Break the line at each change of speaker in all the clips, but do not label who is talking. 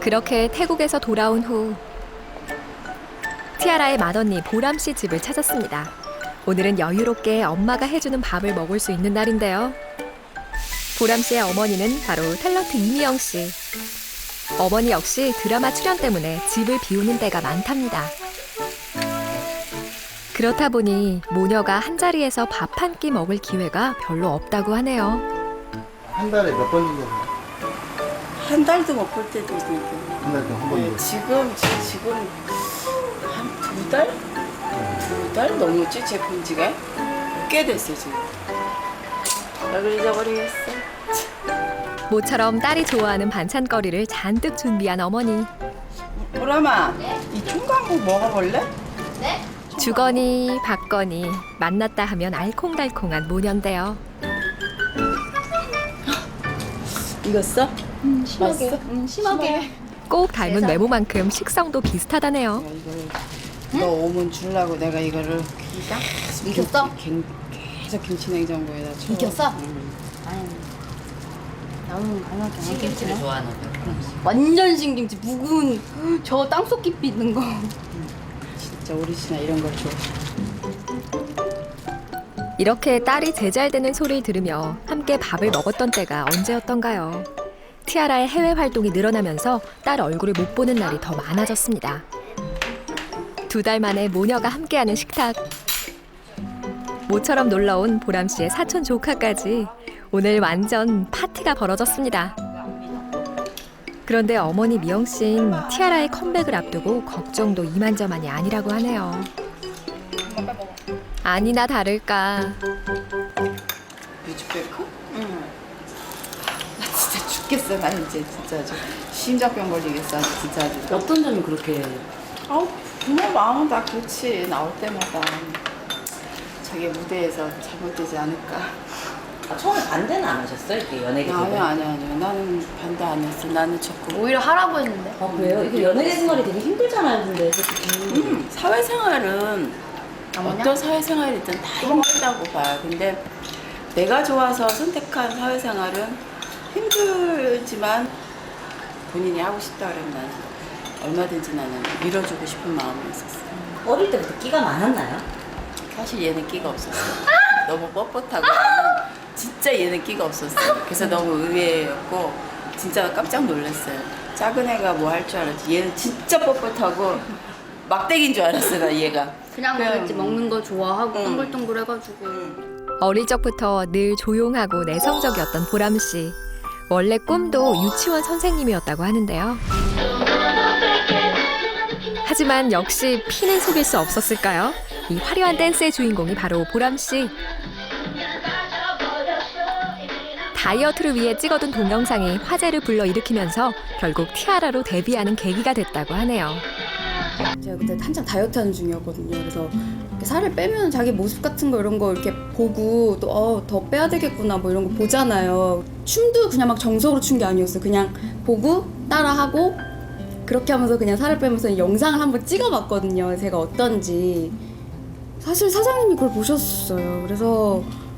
그렇게 태국에서 돌아온 후 티아라의 맏언니 보람 씨 집을 찾았습니다. 오늘은 여유롭게 엄마가 해주는 밥을 먹을 수 있는 날인데요. 보람 씨의 어머니는 바로 탤런트 이미영 씨. 어머니 역시 드라마 출연 때문에 집을 비우는 때가 많답니다. 그렇다 보니 모녀가 한자리에서 밥 한 끼 먹을 기회가 별로 없다고 하네요.
한 달에 몇 번 정도?
한 달도 못 볼 때도 있고.
한 달에 한 번 정도?
지금 한 두 달? 두 달 넘었지 제 본 지가? 꽤 됐어 지금. 얼굴 잊어버리겠어.
모처럼 딸이 좋아하는 반찬거리를 잔뜩 준비한 어머니.
보람아, 이 총각국 먹어볼래?
주거니 받거니 만났다 하면 알콩달콩한 모녀인데요.
익었어?
심하게.
맛있어?
심하게.
꼭 닮은 외모만큼 식성도 비슷하다네요.
이거를 너 오면 주려고 내가 이거를
익혔어?
계속 김치냉장고에다 쳐.
익혔어?
응.
아니, 나는 안 할게.
신김치를 좋아하는 거.
완전 신김치. 묵은 저 땅속 깊이 있는 거.
진짜 오리지널 이런 걸 좋아해.
이렇게 딸이 제잘되는 소리를 들으며 함께 밥을 먹었던 때가 언제였던가요? 티아라의 해외 활동이 늘어나면서 딸 얼굴을 못 보는 날이 더 많아졌습니다. 2달 만에 모녀가 함께하는 식탁. 모처럼 놀러온 보람 씨의 사촌 조카까지 오늘 완전 파티가 벌어졌습니다. 그런데 어머니 미영 씨는 티아라의 컴백을 앞두고 걱정도 이만저만이 아니라고 하네요. 아니나 다를까
뮤직뱅크? 응. 나 진짜 죽겠어. 나 이제 진짜 아주 심장병 걸리겠어. 아주 진짜 아주.
어떤 점이 그렇게
아우 부모 마음은 다 그렇지. 나올 때마다 자기 무대에서 잘못되지 않을까.
처음에 반대는 안 하셨어요? 이렇게 연예계
아니야. 나는 반대 안 했어. 나는 자꾸
오히려 하라고 했는데.
아 그래요? 이게 연예계 생활이 되게 힘들잖아요, 근데 솔직히.
사회생활은 어떤 사회생활이든 다 힘들다고 봐요. 근데 내가 좋아서 선택한 사회생활은 힘들지만 본인이 하고 싶다 그러면 난 얼마든지 나는 밀어주고 싶은 마음이 있었어.
어릴 때부터 끼가 많았나요?
사실 얘는 끼가 없었어. 너무 뻣뻣하고 나는 진짜 얘는 끼가 없었어. 그래서 너무 의외였고 진짜 깜짝 놀랐어요. 작은 애가 뭐 할 줄 알았지. 얘는 진짜 뻣뻣하고 막대기인 줄 알았어 나 얘가.
그냥 그랬지. 먹는 거 좋아하고 동글동글 해가지고.
어릴 적부터 늘 조용하고 내성적이었던 보람 씨. 원래 꿈도 유치원 선생님이었다고 하는데요. 하지만 역시 피는 속일 수 없었을까요? 이 화려한 댄스의 주인공이 바로 보람 씨. 다이어트를 위해 찍어둔 동영상이 화제를 불러일으키면서 결국 티아라로 데뷔하는 계기가 됐다고 하네요.
제가 그때 한창 다이어트 하는 중이었거든요. 그래서 이렇게 살을 빼면 자기 모습 같은 거 이런 거 이렇게 보고 또 더 빼야 되겠구나 뭐 이런 거 보잖아요. 춤도 그냥 막 정석으로 춘 게 아니었어요. 그냥 보고 따라하고 그렇게 하면서 그냥 살을 빼면서 영상을 한번 찍어봤거든요. 제가 어떤지. 사실 사장님이 그걸 보셨어요. 그래서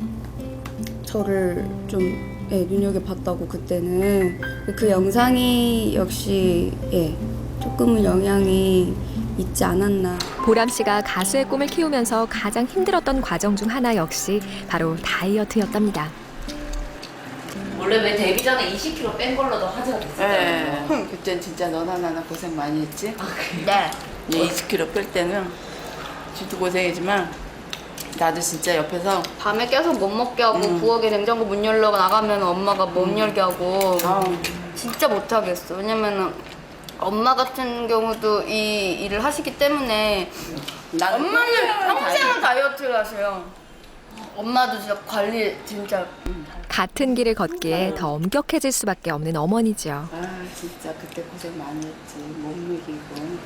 저를 좀 눈여겨봤다고 그때는. 그 영상이 역시 조금은 영향이 있지 않았나.
보람 씨가 가수의 꿈을 키우면서 가장 힘들었던 과정 중 하나 역시 바로 다이어트였답니다.
원래 왜 데뷔 전에 20kg 뺀 걸로도 화제가 됐었잖아요.
그땐 진짜 너나 나나 고생 많이 했지.
아 그래요?
네.
얘 20kg 뺄 때는 진짜 고생이지만 나도 진짜 옆에서
밤에 깨서 못 먹게 하고 부엌에 냉장고 문 열러 나가면 엄마가 못 열게 하고 진짜 못 하겠어. 왜냐면은 엄마 같은 경우도 이 일을 하시기 때문에 엄마는 평생을 다이어트를 하세요. 엄마도 진짜 관리 진짜
같은 길을 걷기에 더 엄격해질 수밖에 없는 어머니죠.
진짜 그때 고생 많이 했지. 못 먹이고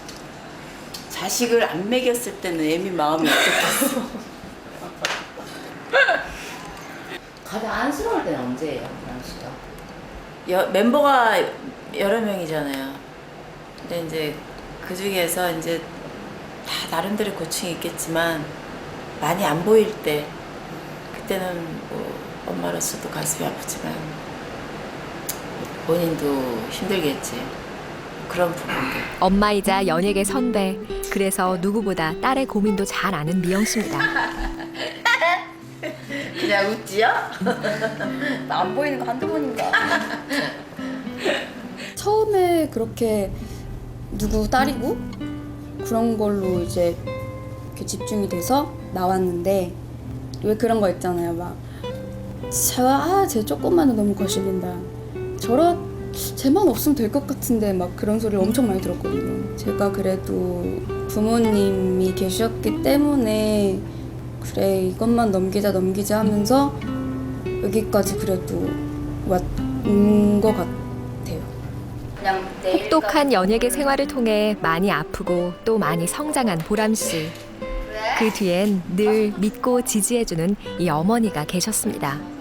자식을 안 먹였을 때는 애미 마음이 어땠겠어.
가장 안쓰러울 때는 언제예요, 보람 씨가?
멤버가 여러 명이잖아요. 근데 이제 그 중에서 이제 다 나름대로 고충이 있겠지만 많이 안 보일 때 그때는 뭐 엄마로서도 가슴이 아프지만 본인도 힘들겠지. 그런 부분.
엄마이자 연예계 선배. 그래서 누구보다 딸의 고민도 잘 아는 미영 씨입니다.
그냥 웃지요?
나 안 보이는 거 한두 번인가. 처음에 그렇게 누구 딸이고 그런 걸로 이제 이렇게 집중이 돼서 나왔는데 왜 그런 거 있잖아요. 막 쟤 조금만은 너무 거슬린다. 쟤만 없으면 될 것 같은데 막 그런 소리를 엄청 많이 들었거든요. 제가 그래도 부모님이 계셨기 때문에 그래 이것만 넘기자 하면서 여기까지 그래도 왔는 것 같아요.
그냥
혹독한 연예계 생활을 통해 많이 아프고 또 많이 성장한 보람 씨. 그 뒤엔 늘 믿고 지지해주는 이 어머니가 계셨습니다.